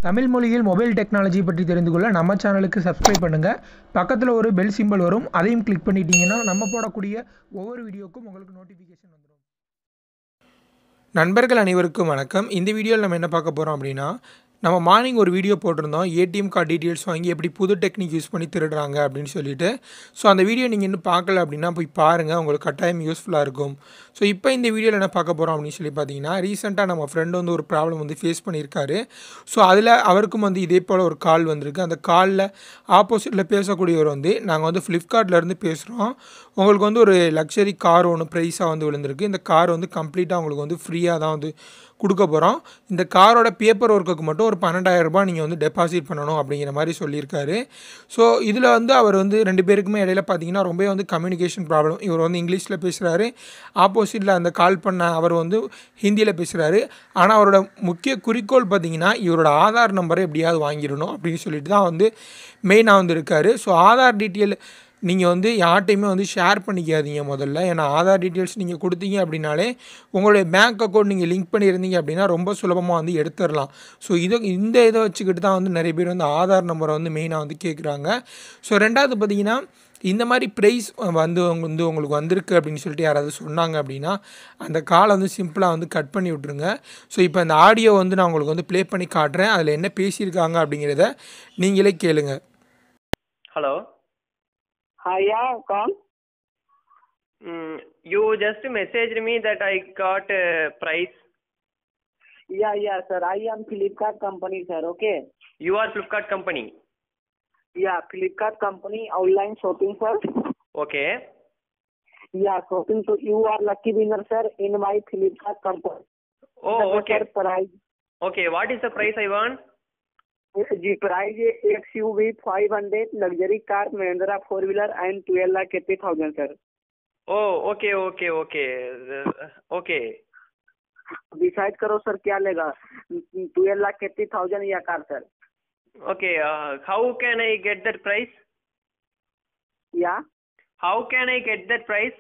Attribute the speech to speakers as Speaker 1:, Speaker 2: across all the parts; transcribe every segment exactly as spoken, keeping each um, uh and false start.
Speaker 1: தமிழ் மொழியில் mobile technology பற்றி தெரிந்து கொள்ள நம்ம சேனலுக்கு சப்ஸ்கிரைப் பண்ணுங்கள். பக்கத்தில் ஒரு பெல் சிம்பல் வரும், அதையும் கிளிக் பண்ணிட்டீங்கன்னா நம்ம போடக்கூடிய ஒவ்வொரு வீடியோக்கும் உங்களுக்கு நோட்டிஃபிகேஷன் வந்துடும். நண்பர்கள் அனைவருக்கும் வணக்கம். இந்த வீடியோவில் நம்ம என்ன பார்க்க போகிறோம் அப்படின்னா, நம்ம மார்னிங் ஒரு வீடியோ போட்டிருந்தோம், ஏடிஎம் கார்டு டீட்டெயில்ஸ் வாங்கி எப்படி புது டெக்னிக் யூஸ் பண்ணி திருடுறாங்க அப்படின்னு சொல்லிட்டு. ஸோ அந்த வீடியோ நீங்கள் இன்னும் பார்க்கல அப்படின்னா போய் பாருங்கள், உங்களுக்கு கட்டாயம் யூஸ்ஃபுல்லாக இருக்கும். ஸோ இப்போ இந்த வீடியோவில் என்ன பார்க்க போகிறோம் அப்படின்னு சொல்லி பார்த்தீங்கன்னா, ரீசெண்டாக நம்ம ஃப்ரெண்டு வந்து ஒரு ப்ராப்ளம் வந்து ஃபேஸ் பண்ணியிருக்காரு. ஸோ அதில் அவருக்கும் வந்து இதே போல் ஒரு கால் வந்திருக்கு. அந்த காலில் ஆப்போசிட்டில் பேசக்கூடியவர் வந்து, நாங்கள் வந்து ஃப்ளிப்கார்ட்லேருந்து பேசுகிறோம், உங்களுக்கு வந்து ஒரு லக்ஸரி கார் ஒன்று ப்ரைஸாக வந்து விழுந்திருக்கு, இந்த கார் வந்து கம்ப்ளீட்டாக உங்களுக்கு வந்து ஃப்ரீயாக தான் வந்து கொடுக்க போகிறோம், இந்த காரோட பேப்பர் ஒர்க்குக்கு மட்டும் ஒரு பன்னெண்டாயிரம் ரூபாய் நீங்கள் வந்து டெபாசிட் பண்ணணும் அப்படிங்கிற மாதிரி சொல்லியிருக்காரு. ஸோ இதில் வந்து அவர் வந்து ரெண்டு பேருக்குமே இடையில பார்த்தீங்கன்னா ரொம்ப வந்து கம்யூனிகேஷன் ப்ராப்ளம். இவர் வந்து இங்கிலீஷில் பேசுகிறாரு, ஆப்போசிட்டில் அந்த கால் பண்ண அவர் வந்து ஹிந்தியில் பேசுகிறாரு. ஆனால் அவரோட முக்கிய குறிக்கோள் பார்த்தீங்கன்னா, இவரோட ஆதார் நம்பரை எப்படியாவது வாங்கிடணும் அப்படின்னு சொல்லிட்டு தான் வந்து மெயினாக வந்து இருக்கார். ஸோ ஆதார் டீட்டெயில் நீங்கள் வந்து யார்ட்டையுமே வந்து ஷேர் பண்ணிக்காதீங்க முதல்ல. ஏன்னா ஆதார் டீட்டெயில்ஸ் நீங்கள் கொடுத்தீங்க அப்படின்னாலே உங்களுடைய பேங்க் அக்கௌண்ட் நீங்கள் லிங்க் பண்ணியிருந்தீங்க அப்படின்னா ரொம்ப சுலபமாக வந்து எடுத்துடலாம். ஸோ இதை இந்த இதை வச்சுக்கிட்டு தான் வந்து நிறைய பேர் வந்து ஆதார் நம்பரை வந்து மெயினாக வந்து கேட்குறாங்க. ஸோ ரெண்டாவது பார்த்தீங்கன்னா, இந்த மாதிரி ப்ரைஸ் வந்து வந்து உங்களுக்கு வந்திருக்கு அப்படின்னு சொல்லிட்டு யாராவது சொன்னாங்க அப்படின்னா, அந்த காலை வந்து சிம்பிளாக வந்து கட் பண்ணி விட்ருங்க. ஸோ இப்போ அந்த ஆடியோ வந்து நான் உங்களுக்கு வந்து ப்ளே பண்ணி காட்டுறேன், அதில் என்ன பேசியிருக்காங்க அப்படிங்கிறத நீங்களே கேளுங்க.
Speaker 2: Hello.
Speaker 3: Hi, yeah, कौन?
Speaker 2: Mm, you just messaged me that I got a price.
Speaker 3: Yeah, yeah, sir. I am Flipkart company, sir. Okay.
Speaker 2: You are Flipkart company.
Speaker 3: Yeah, Flipkart company online shopping, sir.
Speaker 2: Okay.
Speaker 3: Yeah, shopping. So you are lucky winner, sir, in my Flipkart company.
Speaker 2: Oh,
Speaker 3: The
Speaker 2: okay.
Speaker 3: sir, price.
Speaker 2: Okay. What is the price I want?
Speaker 3: जी price X U V five hundred luxury car Mahindra four wheeler and twelve lakh eighty thousand sir.
Speaker 2: Oh, okay, okay, okay. Uh, okay.
Speaker 3: Decide करो sir क्या लेगा, twelve lakh eighty thousand या car sir.
Speaker 2: Okay. Uh, how can I get that price?
Speaker 3: या
Speaker 2: How can I get that price?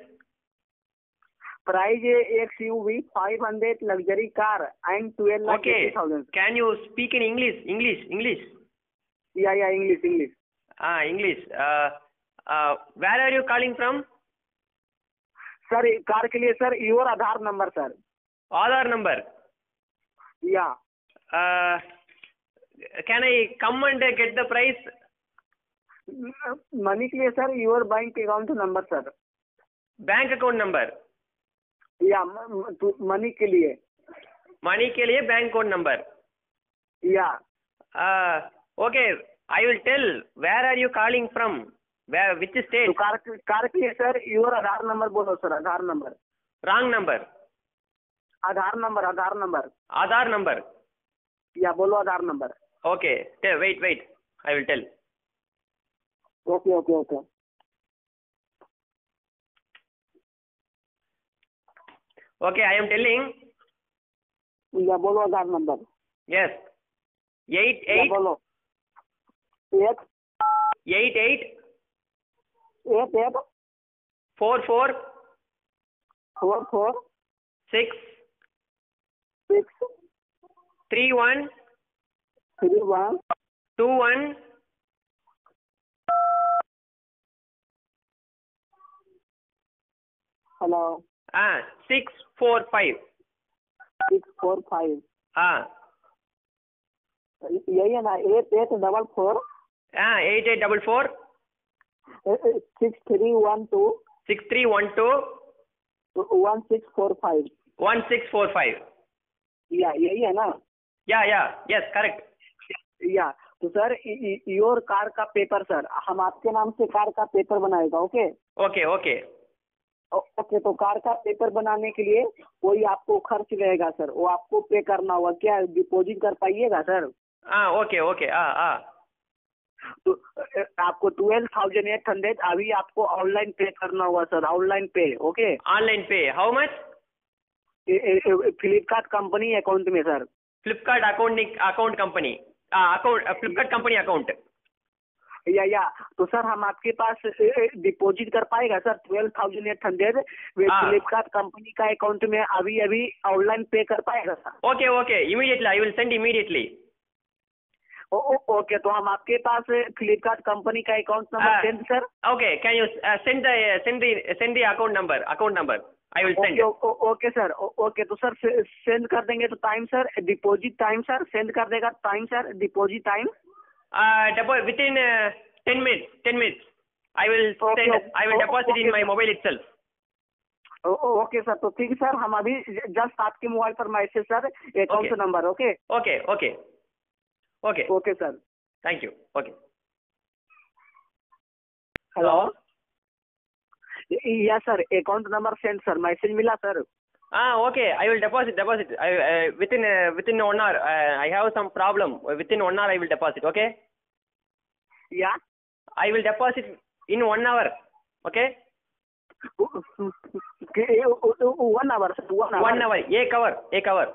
Speaker 3: Price X U V five hundred luxury car and twelve lakh
Speaker 2: Okay.
Speaker 3: Eighty thousand.
Speaker 2: Can you speak in English? English, English.
Speaker 3: Yeah yeah English English.
Speaker 2: Ah, English. Uh, uh, where are you calling from?
Speaker 3: Sir car के लिए sir your Aadhaar number sir.
Speaker 2: Aadhaar number.
Speaker 3: या
Speaker 2: Uh, can I come and get the price?
Speaker 3: Money के लिए sir your bank account number sir.
Speaker 2: Bank account number.
Speaker 3: Yeah money के लिए.
Speaker 2: Money के लिए bank account number.
Speaker 3: या
Speaker 2: Uh, okay. I will tell. Where are you calling from? Where? Which
Speaker 3: तो
Speaker 2: state?
Speaker 3: Car car के लिए सर योर आधार नंबर बोलो sir. Aadhaar number.
Speaker 2: Wrong number.
Speaker 3: Aadhaar number Aadhaar number.
Speaker 2: Aadhaar number.
Speaker 3: Yeah बोलो Aadhaar number.
Speaker 2: Okay. Tell, wait, wait. I will tell.
Speaker 3: Okay okay okay.
Speaker 2: Okay. I am telling.
Speaker 3: Yeah बोलो Aadhaar number.
Speaker 2: Yes. Eight
Speaker 3: या
Speaker 2: eight
Speaker 3: बोलो. एक
Speaker 2: eight eight
Speaker 3: एक एक
Speaker 2: four four
Speaker 3: four four
Speaker 2: six
Speaker 3: six
Speaker 2: three one
Speaker 3: three one
Speaker 2: two one
Speaker 3: hello
Speaker 2: ah six four five.
Speaker 3: Six four five.
Speaker 2: Ah
Speaker 3: यही है ना. Eight eight double four
Speaker 2: ah eight eight double four
Speaker 3: six three one two
Speaker 2: six three one two
Speaker 3: one six four five.
Speaker 2: one six four five.
Speaker 3: या यही है ना.
Speaker 2: Yeah, yeah, yes, correct.
Speaker 3: Yeah तो sir your car का paper sir हम आपके नाम से कार का पेपर बनाएगा. Okay
Speaker 2: Okay, okay.
Speaker 3: ओके. तो कार का पेपर बनाने के लिए कोई आपको खर्च रहेगा सर, वो आपको पे करना होगा. क्या डिपॉजिट कर पाइएगा sir?
Speaker 2: Ah, okay, okay. Ah, ah.
Speaker 3: तो अ, आपको ट्वेल्व थाउजेंड एट हंड्रेड अभी आपको ऑनलाइन पे करना होगा sir. Online pay. Okay.
Speaker 2: Online pay. How much?
Speaker 3: Flipkart company account में sir.
Speaker 2: Flipkart account account company. Ah, account. Uh, Flipkart company account.
Speaker 3: या या तो सर हम आपके पास डिपॉजिट कर पाएगा sir twelve thousand eight hundred Flipkart company का account में अभी अभी ऑनलाइन पे कर पाएगा sir?
Speaker 2: Okay okay, immediately I will send immediately.
Speaker 3: Oh, oh, okay, तो हम आपके पास फ्लिपकार्ट कंपनी का account number send sir.
Speaker 2: Okay, can you uh, send the uh, send the send the account number? Account number. I will send.
Speaker 3: Okay okay sir. Okay, तो sir send कर देंगे तो time sir, deposit time sir, send कर देगा time sir, deposit time.
Speaker 2: Uh, depo- within uh, ten minutes. Ten minutes. I will
Speaker 3: Okay,
Speaker 2: send.
Speaker 3: okay,
Speaker 2: I will deposit
Speaker 3: okay,
Speaker 2: in my
Speaker 3: sir.
Speaker 2: mobile itself.
Speaker 3: Okay sir, तो ठीक sir, हम अभी just आपके mobile पर message sir account
Speaker 2: Okay.
Speaker 3: Number. Okay
Speaker 2: Okay. Okay. Okay.
Speaker 3: Okay sir.
Speaker 2: Thank you. Okay.
Speaker 3: Hello. Yeah sir, account number send sir, message मिला sir.
Speaker 2: Ah, okay. I will deposit. Deposit. I uh, within uh, within one hour. Uh, I have some problem. Within one hour, I will deposit. Okay.
Speaker 3: या
Speaker 2: I will deposit in one hour. Okay.
Speaker 3: One hour sir, one
Speaker 2: One hour. एक hour. एक hour.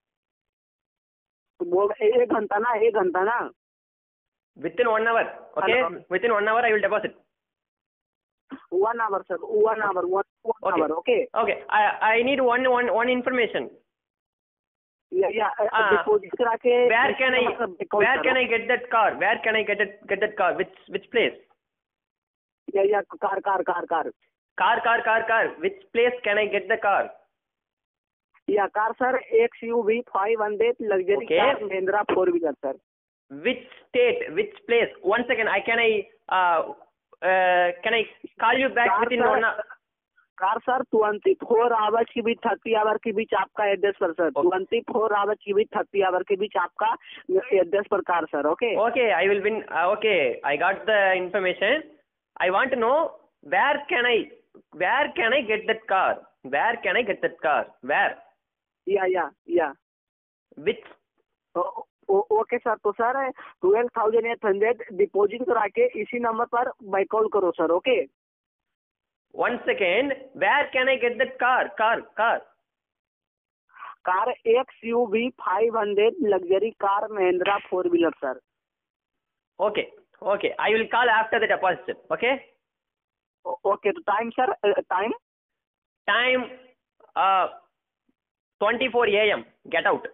Speaker 3: एक घंटा ना, एक घंटा ना.
Speaker 2: Within one hour. Okay.
Speaker 3: Hello.
Speaker 2: Within one hour, I will deposit.
Speaker 3: One hour sir, one hour, one one
Speaker 2: Okay.
Speaker 3: Hour. Okay.
Speaker 2: Okay. I I need one one one information.
Speaker 3: या या
Speaker 2: Ah.
Speaker 3: Deposit करा के.
Speaker 2: Where can I where can I get that car? Where can I get it get that car? Which which place?
Speaker 3: Yeah yeah car car car car.
Speaker 2: Car car car car. Which place can I get the car?
Speaker 3: Yeah car sir, X U V five hundred luxury
Speaker 2: Okay.
Speaker 3: Car, Mahindra four wheeler sir.
Speaker 2: Which state? Which place? One second. I can I uh uh can I call you back
Speaker 3: car
Speaker 2: within
Speaker 3: sir,
Speaker 2: one hour?
Speaker 3: Car sir twenty four hours के बीच, thirty hour के बीच आपका address पर sir.
Speaker 2: Okay.
Speaker 3: Twenty four hours के बीच, thirty hour के बीच आपका एड्रेस पर car sir. Okay.
Speaker 2: Okay, I will win. Uh, okay, I got the information. I want to know where can I where can I get that car? Where can I get that car? Where?
Speaker 3: या yeah yeah
Speaker 2: Which?
Speaker 3: Okay sir, तो sir twelve thousand eight hundred deposit करा के इसी number पर by call करो sir. Okay.
Speaker 2: One second. Where can I get that car? Car car.
Speaker 3: Car X U V five hundred luxury car, Mahindra four wheeler sir.
Speaker 2: Okay. Okay. I will call after the deposit. Okay.
Speaker 3: Okay, तो time sir, time.
Speaker 2: Time uh twenty-four A M. Get out.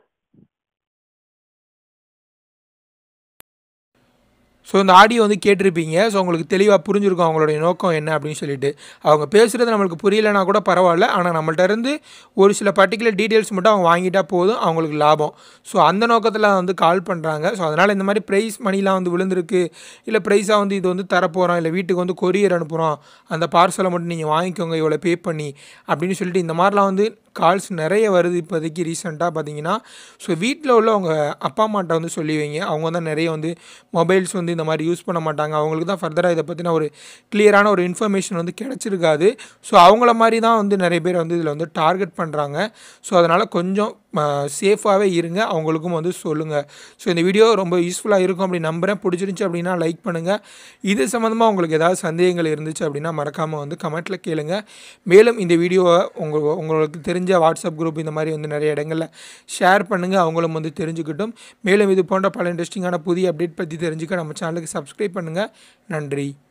Speaker 1: So இந்த audio வந்து கேட்டிருப்பீங்க. So உங்களுக்கு தெளிவாக புரிஞ்சிருக்கும் அவங்களுடைய நோக்கம் என்ன அப்படின்னு சொல்லிட்டு. அவங்க பேசுகிறது நம்மளுக்கு புரியலைன்னா கூட பரவாயில்ல, ஆனால் நம்மள்ட்ட இருந்து ஒரு சில பர்டிகுலர் டீட்டெயில்ஸ் மட்டும் அவங்க வாங்கிட்டா போதும், அவங்களுக்கு லாபம். ஸோ அந்த நோக்கத்தில் வந்து கால் பண்ணுறாங்க. ஸோ அதனால் இந்த மாதிரி ப்ரைஸ் மணிலாம் வந்து விழுந்திருக்கு, இல்லை ப்ரைஸாக வந்து இது வந்து தரப்போகிறோம், இல்லை வீட்டுக்கு வந்து கொரியர் அனுப்புகிறோம், அந்த பார்சலை மட்டும் நீங்கள் வாங்கிக்கோங்க இவ்வளோ பே பண்ணி அப்படின்னு சொல்லிட்டு இந்த மாதிரிலாம் வந்து கால்ஸ் நிறைய வருது இப்போதைக்கு ரீசெண்டாக பார்த்தீங்கன்னா. ஸோ வீட்டில் உள்ள அவங்க அப்பா அம்மாட்ட வந்து சொல்லி வைங்க. அவங்க தான் நிறைய வந்து மொபைல்ஸ் வந்து இந்த மாதிரி யூஸ் பண்ண மாட்டாங்க. அவங்களுக்கு தான் ஃபர்தராக இதை பற்றின ஒரு கிளியரான ஒரு இன்ஃபர்மேஷன் வந்து கிடச்சிருக்காது. ஸோ அவங்கள மாதிரி தான் வந்து நிறைய பேர் வந்து இதில் வந்து டார்கெட் பண்ணுறாங்க. ஸோ அதனால் கொஞ்சம் சேஃபாகவே இருங்க, அவங்களுக்கும் வந்து சொல்லுங்கள். ஸோ இந்த வீடியோ ரொம்ப யூஸ்ஃபுல்லாக இருக்கும் அப்படி நம்புகிறேன். பிடிச்சிருந்துச்சி அப்படின்னா லைக் பண்ணுங்கள். இது சம்மந்தமாக உங்களுக்கு ஏதாவது சந்தேகங்கள் இருந்துச்சு அப்படின்னா மறக்காமல் வந்து கமெண்ட்டில் கேளுங்க. மேலும் இந்த வீடியோவை உங்கள் உங்களுக்கு தெரிஞ்ச வாட்ஸ்அப் குரூப் இந்த மாதிரி வந்து நிறைய இடங்களில் ஷேர் பண்ணுங்கள், அவங்களும் வந்து தெரிஞ்சுக்கிட்டும். மேலும் இது போன்ற பல இன்ட்ரெஸ்டிங்கான புதிய அப்டேட் பற்றி தெரிஞ்சுக்க நம்ம சேனலுக்கு சப்ஸ்கிரைப் பண்ணுங்கள். நன்றி.